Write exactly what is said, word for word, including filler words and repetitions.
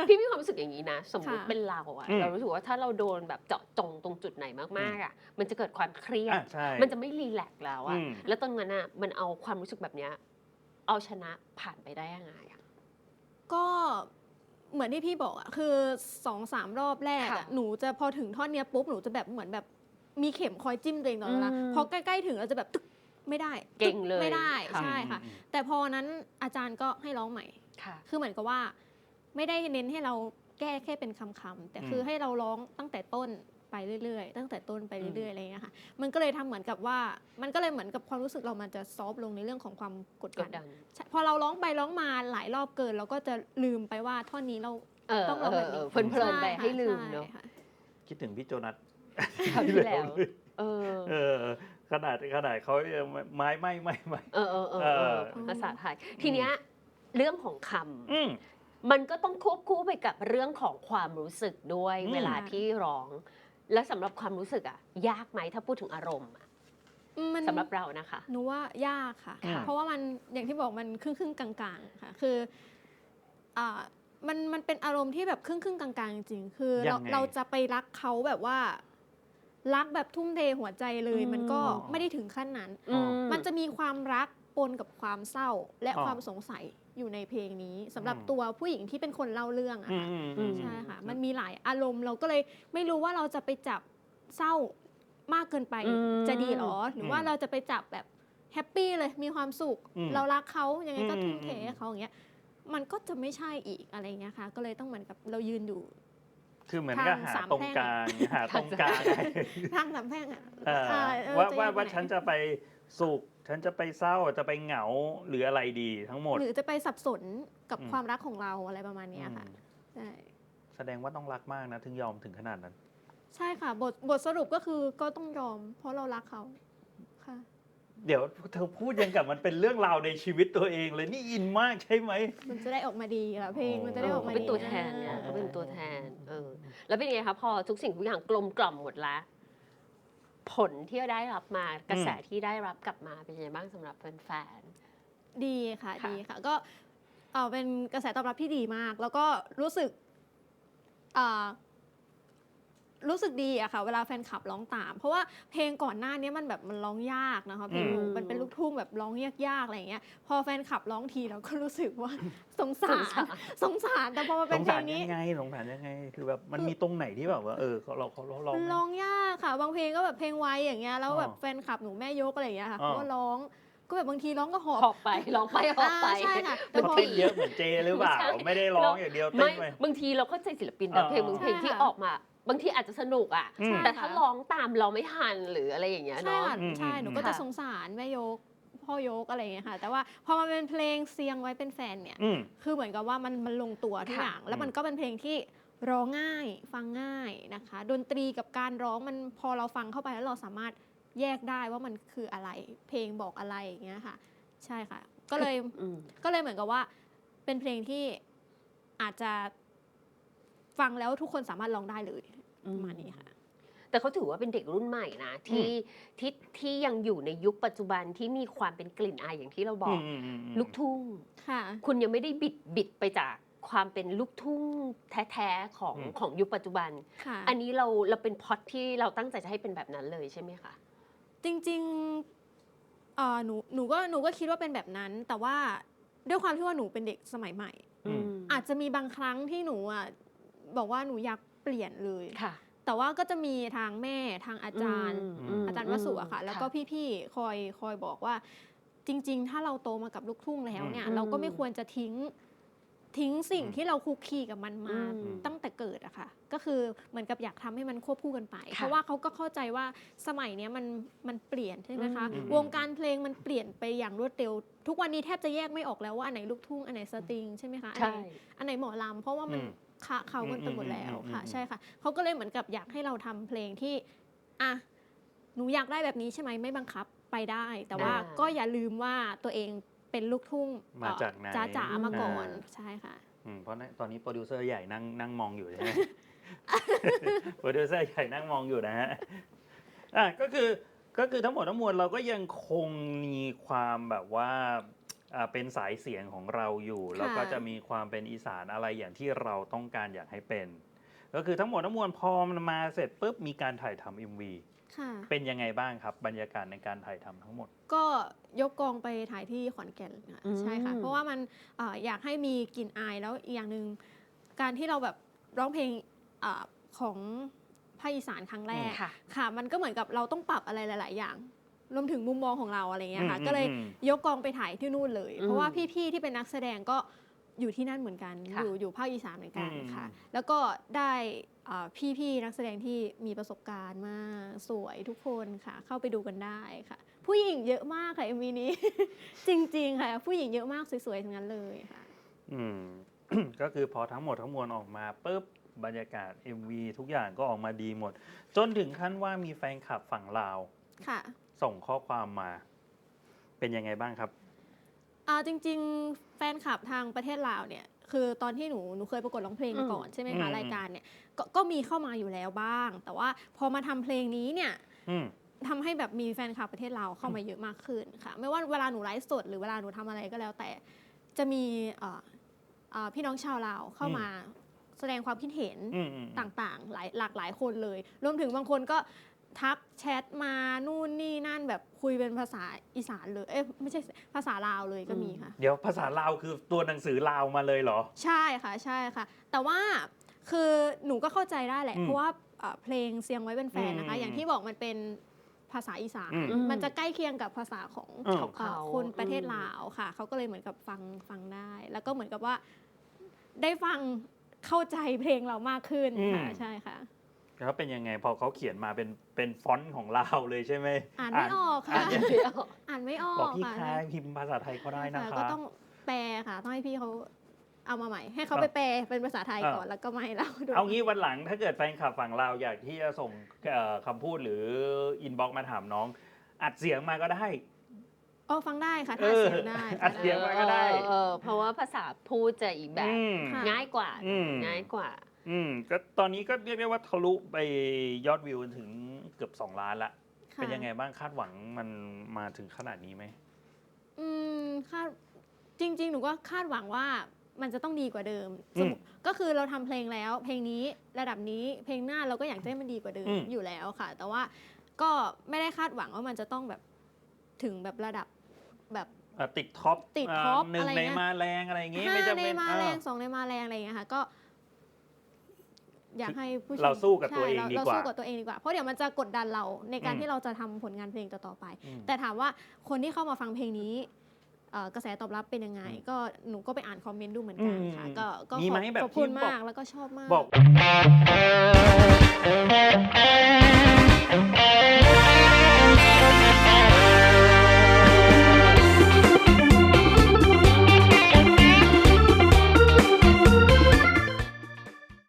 พี่มีความรู้สึกอย่างนี้นะสมมติค่ะเป็นเราอะอืมเรารู้สึกว่าถ้าเราโดนแบบเจาะจงตรงจุดไหนมากๆอะมันจะเกิดความเครียดอ่ะใช่มันจะไม่รีแลกซ์แล้วอะอืมแล้วตอนนั้นอะมันเอาความรู้สึกแบบเนี้ยเอาชนะผ่านไปได้ยังไงอะก็เหมือนที่พี่บอกอะคือ สองสาม รอบแรกค่ะอะหนูจะพอถึงท่อนเนี้ยปุ๊บหนูจะแบบเหมือนแบบมีเข็มคอยจิ้มตัวเองตลอดเวลาอืมพอใกล้ๆถึงเราจะแบบตึกไม่ได้เก่งเลยไม่ได้ค่ะใช่ค่ะอืมแต่พอนั้นอาจารย์ก็ให้ร้องใหม่ค่ะคือเหมือนกับว่าไม่ได้เน้นให้เราแก้แค่เป็นคำๆแต่คือให้เราร้องตั้งแต่ต้นไปเรื่อยๆตั้งแต่ต้นไปเรื่อยๆอะไรอย่างเงี้ยค่ะมันก็เลยทำเหมือนกับว่ามันก็เลยเหมือนกับความรู้สึกเรามันจะซอฟต์ลงในเรื่องของความกดกดัดนดันใช่พอเราร้องไปร้องมาหลายรอบเกินเราก็จะลืมไปว่าท่อนนี้เราเออต้องร้องแบบนี้เออเพลินๆไปช่ค่ะให้ลืมเนอะใช่ค่คิดถึงพี่โจนัสคราวที่แล้วเลยเออเออขนาดขนาดเขายังไม้ไม่ไม่ไม่เออเออเออเอเอออภาษาไทย ทีเนี้ยเรื่องของคอืมำมันก็ต้องควบคู่ไปกับเรื่องของความรู้สึกด้วยอืมเวลาที่ร้อง แล้วสำหรับความรู้สึกอะยากไหมถ้าพูดถึงอารมณ์อะมันสำหรับเรานะคะหนูว่ายากค่ะค่ะเพราะว่ามันอย่างที่บอกมันครึ่งครึ่งๆกลางๆค่ะคืออ่ามันมันเป็นอารมณ์ที่แบบครึ่งครึ่งๆกลางๆจริงๆคือเรายังไงเราจะไปรักเขาแบบว่า รักแบบทุ่มเทหัวใจเลยอืมมันก็อ๋อไม่ได้ถึงขั้นนั้นอ๋อมันจะมีความรักปนกับความเศร้า และอ๋อความสงสัยอยู่ในเพลงนี้สำหรับอืมตัวผู้หญิงที่เป็นคนเล่าเรื่องอะอืค่ะมอืมใช่ค่ะ มันมีหลายอารมณ์เราก็เลยไม่รู้ว่าเราจะไปจับเศร้ามากเกินไปอืมจะดีหรอ หรือว่าอืมเราจะไปจับแบบแฮปปี้เลยมีความสุขอืมเรารักเขายังไงก็อืมทุ่มเทอืมให้เขาอย่างเงี้ยมันก็จะไม่ใช่อีกอะไรเงี้ยค่ะ ก็เลยต้องเหมือนกับเรายืนอยู่คือเหมือนกับหาทางสามตรงแพร่งกลางหาตรงกลางไงทางสามแพร่งอะเอออ่เออว่าจะว่าอยู่ว่าไหนฉันจะไปสุข ฉันจะไปเศร้าจะไปเหงาหรืออะไรดีทั้งหมดหรือจะไปสับสนกับอืมความรักของเราอะไรประมาณเนี้ยค่ะอืมใช่แสดงว่าต้องรักมากนะ ถึงยอมถึงขนาดนั้นใช่ค่ะ บทบทสรุปก็คือก็ต้องยอม เพราะเรารักเขาค่ะเดี๋ยวเธอพูดยังกับมันเป็นเรื่องราวในชีวิตตัวเองเลยนี่อินมากใช่ไหมมันจะได้ออกมาดีค่ะเพลงมันจะเอได้อออกเขามาเป็นดีตัวแทนไงอ่าเขาเป็นตัวแทน เออ แล้วเป็นยังไงคะพอทุกสิ่งทุกอย่างกลมกล่อมหมดแล้ว ผลที่ได้รับมากระแสที่ได้รับกลับมาเป็นยังไงบ้างสำหรับแฟนดีค่ะค่ะดีค่ะ ก็เอ่อเป็นกระแสตอบรับที่ดีมาก แล้วก็รู้สึกอ่ารู้สึกดีอะค่ะ เวลาแฟนคลับร้องตาม เพราะว่าเพลงก่อนหน้านี้มันแบบมันร้องยากนะคะเพลงหนูอืมมันเป็นลูกทุ่งแบบร้องยากๆอะไรอย่างเงี้ย พอแฟนคลับร้องทีเราก็รู้สึกว่า สงสาสงรสารสงสารแต่พอมาสเป็นงเพลสารงนี้ยังไงสงสารยังไง คือแบบมันมีตรงไหนที่แบบว่าเออเราเขาเราร้องมันร้องยากค่ะ บางเพลงก็แบบเพลงไวอย่างเงี้ยแล้วแบบอ๋อแฟนคลับหนูแม่ยกอะไรอย่างเงี้ยค่ะอ๋อเขาก็ร้องก็แบบบางทีร้องก็หอบๆหอบไปร้องไปหอบไปอ่าใช่ค่ะแต่เขาพอเต้นเยอะเหมือนเจหรือเปล่าไม่ใช่ไม่ได้ร้องอย่างเดียวเต้ไม่นไปบางทีเราเข้าใจศิลปินเอนะอเพลงบางเพลงใช่ที่ค่ะออกมา บางทีอาจจะสนุกอ่ะอืมแต่ถ้าร้องตามเราไม่ทันหรืออะไรอย่างเงี้ยใช่เนาะค่ะอืมใช่อืมหนูก็ค่ะจะสงสารแม่ยกพ่อยกอะไรอย่างเงี้ยค่ะ แต่ว่าพอมาเป็นเพลงเสียงไว้เป็นแฟนเนี่ยอืมคือเหมือนกับว่ามันมันลงตัวทุกค่ะอย่าง แล้วอืมมันก็เป็นเพลงที่ร้องง่ายฟังง่ายนะคะ ดนตรีกับการร้องมันพอเราฟังเข้าไปแล้วเราสามารถแยกได้ว่ามันคืออะไร เพลงบอกอะไรอย่างเงี้ยค่ะ ใช่ค่ะ ก็เลยอืมก็เลยเหมือนกับว่าเป็นเพลงที่อาจจะฟังแล้วทุกคนสามารถร้องได้เลยอืมประมาณนี้ค่ะแต่เขาถือว่าเป็นเด็กรุ่นใหม่นะที่ที่ที่ยังอยู่ในยุคปัจจุบันที่มีความเป็นกลิ่นอายอย่างที่เราบอกอืมอืมอืมลูกทุ่งค่ะคุณยังไม่ได้บิดบิดไปจากความเป็นลูกทุ่งแท้ๆของอืมของยุคปัจจุบันค่ะอันนี้เราเราเป็นพล็อตที่เราตั้งใจจะให้เป็นแบบนั้นเลยใช่ไหมคะจริงๆเอ่อหนูหนูก็หนูก็คิดว่าเป็นแบบนั้น แต่ว่าด้วยความที่ว่าหนูเป็นเด็กสมัยใหม่อืมอาจจะมีบางครั้งที่หนูอ่ะบอกว่าหนูอยากเปลี่ยนเลยค่ะแต่ว่าก็จะมีทางแม่ทางอาจารย์มอาจารย์วสุอะค่ะ แล้วก็พี่ๆคอยคอยบอกว่า จริง ๆ ถ้าเราโตมากับลูกทุ่งแล้วเนี่ยอืมเราก็ไม่ควรจะทิ้งทิ้งสิ่งอืมที่เราคุกคีกับมันมาอืมตั้งแต่เกิดอะค่ะ ก็คือเหมือนกับอยากทำให้มันควบคู่กันไปค่ะเพราะว่าเขาก็เข้าใจว่าสมัยเนี้ยมันมันเปลี่ยนใช่ไหมคะอืมวงการเพลงมันเปลี่ยนไปอย่างรวดเร็ว ทุกวันนี้แทบจะแยกไม่ออกแล้วว่าอันไหนลูกทุ่งอันไหนสตริงใช่ไหมคะอันไหนใช่อันไหนหมอลำเพราะว่ามันอืมคะเขากันไปหมดแล้วอืมค่ะอืมใช่ค่ะเขาก็เลยเหมือนกับอยากให้เราทำเพลงที่อ่ะหนูอยากได้แบบนี้ใช่ไหมไม่บังคับไปได้ แต่ว่าอ่าก็อย่าลืมว่าตัวเองเป็นลูกทุ่งมาจากไหนจ๋าจ๋าๆมาก่อนอ่าใช่ค่ะอืมเพราะตอนนี้โปรดิวเซอร์ใหญ่นั่งนั่งมองอยู่ใช่ไหม โปรดิวเซอร์ใหญ่นั่งมองอยู่นะฮะอ่ะก็คือก็คือทั้งหมดทั้งมวลเราก็ยังคงมีความแบบว่าอ่าเป็นสายเสียงของเราอยู่ แล้วก็จะมีความเป็นอีสานอะไรอย่างที่เราต้องการอยากให้เป็น ก็คือทั้งหมดทั้งมวลพอมันมาเสร็จปุ๊บมีการถ่ายทำ เอ็ม วีค่ะเป็นยังไงบ้างครับบรรยากาศในการถ่ายทำทั้งหมดก็ยกกองไปถ่ายที่ขอนแก่นค่ะอืมใช่ค่ะ เพราะว่ามันเอ่ออยากให้มีกลิ่นอายแล้วอีกอย่างหนึ่งการที่เราแบบร้องเพลงเออของภาคอีสานครั้งแรกค่ะค่ะ มันก็เหมือนกับเราต้องปรับอะไรหลาย ๆ อย่าง รวมถึงมุมมองของเราอะไรเงี้ยค่ะอืมก็เลยอืมยกกองไปถ่ายที่นู่นเลยอืมเพราะว่าพี่ ๆ ที่เป็นนักแสดงก็อยู่ที่นั่นเหมือนกันค่ะอยู่อยู่ภาคอีสานเหมือนกันอืมค่ะ แล้วก็ได้เอ่อพี่ ๆ นักแสดงที่มีประสบการณ์มากสวยทุกคนค่ะ เข้าไปดูกันได้ค่ะ ผู้หญิงเยอะมากค่ะ เอ็ม วี นี้ จริง ๆ ค่ะ ผู้หญิงเยอะมากสวย ๆ ทั้งนั้นเลยค่ะอืม ก็คือพอทั้งหมดทั้งมวลออกมาปุ๊บบรรยากาศ เอ็ม วี ทุกอย่างก็ออกมาดีหมด จนถึงขั้นว่ามีแฟนคลับฝั่งลาวค่ะส่งข้อความมา เป็นยังไงบ้างครับอ่าจริง ๆ แฟนคลับทางประเทศลาวเนี่ยคือตอนที่หนูหนูเคยประกวดร้องเพลงอืมก่อนใช่ไหมอืคะมรายการเนี่ยกก็มีเข้ามาอยู่แล้วบ้าง แต่ว่าพอมาทำเพลงนี้เนี่ยอืมทำให้แบบมีแฟนคลับประเทศลาวเข้ามาเยอะมากขึ้นค่ะ ไม่ว่าเวลาหนูไลฟ์สดหรือเวลาหนูทำอะไรก็แล้วแต่จะมีเอ่อเอ่อพี่น้องชาวลาวเข้ามาแสดงความคิดเห็นอืมอืมต่างๆหลายหลากหลายคนเลย รวมถึงบางคนก็ทักแชทมานู่นนี่นั่นแบบคุยเป็นภาษาอีสานเลย เอ๊ะไม่ใช่ภาษาลาวเลยก็มีค่ะเดี๋ยวภาษาลาวคือตัวหนังสือลาวมาเลยเหรอใช่ค่ะใช่ค่ะ แต่ว่าคือหนูก็เข้าใจได้แหละอืมเพราะว่าเอ่อเพลงเสียงไว้เป็นแฟนนะคะอืมอย่างที่บอกมันเป็นภาษาอีสานอืมมันจะใกล้เคียงกับภาษาของอืมของเขาคนประเทศอืมลาวค่ะ เขาก็เลยเหมือนกับฟังฟังได้ แล้วก็เหมือนกับว่าได้ฟังเข้าใจเพลงเรามากขึ้นค่ะใช่ค่ะแล้วเป็นยังไงพอเขาเขียนมาเป็นเป็นฟอนต์ของลาวเลยใช่ไหมอ่านไม่ออกค่ะอ่านยังเดี๋ยวอ่านไม่ออบอกกพี่ค่ะคายพิมพ์ภาษาไทยก็ได้นะค่ะคะก็ต้องแปลค่ะ ต้องให้พี่เขาเอามาใหม่ ให้เขาอ่ะไปแปลเป็นภาษาไทยอ่ะก่อนแล้วก็มาให้เราดูเอางี้วันหลังถ้าเกิดแฟนคลับฝั่งลาวอยากที่จะส่งเอ่อคำพูดหรืออินบ็อกซ์มาถามน้อง อัดเสียงมาก็ได้อ๋อฟังได้ค่ะเอถ้าอเสียงได้อัดเสียง มาก็ได้เออเออเพราะว่าภาษาพูดจะอีกแบบอืมค่ะง่ายกว่าอืมง่ายกว่าอืมก็ตอนนี้ก็เรียกได้ว่าทะลุไปยอดวิวถึงเกือบสองล้านละค่ะเป็นยังไงบ้างคาดหวังมันมาถึงขนาดนี้ไหมอืมคาดจริง ๆ หนูก็คาดหวังว่ามันจะต้องดีกว่าเดิมอืมสมมุติก็คือเราทำเพลงแล้ว เพลงนี้ระดับนี้เพลงหน้าเราก็อยากจะให้มันดีกว่าเดิมอืมอยู่แล้วค่ะ แต่ว่าก็ไม่ได้คาดหวังว่ามันจะต้องแบบถึงแบบระดับแบบเอ่อติดท็อปติดท็อปหนึ่งอะไรในเงี้ยมาแรงอะไรอย่างงี้ห้าไม่จำในเป็นมาอ่าแรงสองในมาแรงอะไรอย่างเงี้ยค่ะก็ อยากให้ผู้ชมเราสู้กับตัวเองใช่ดีเรากว่าสู้กับตัวเองดีกว่า เพราะเดี๋ยวมันจะกดดันเราในการอืมที่เราจะทำผลงานเพลงต่อๆไปอืมแต่ถามว่าคนที่เข้ามาฟังเพลงนี้เอ่อกระแสตอบรับเป็นยังไง ก็หนูก็ไปอ่านคอมเมนต์ดูเหมือนกันค่ะอืมก็ก็มีขไหมอบแบบขอบคุณที่บอกมากแล้วก็ชอบมากบอก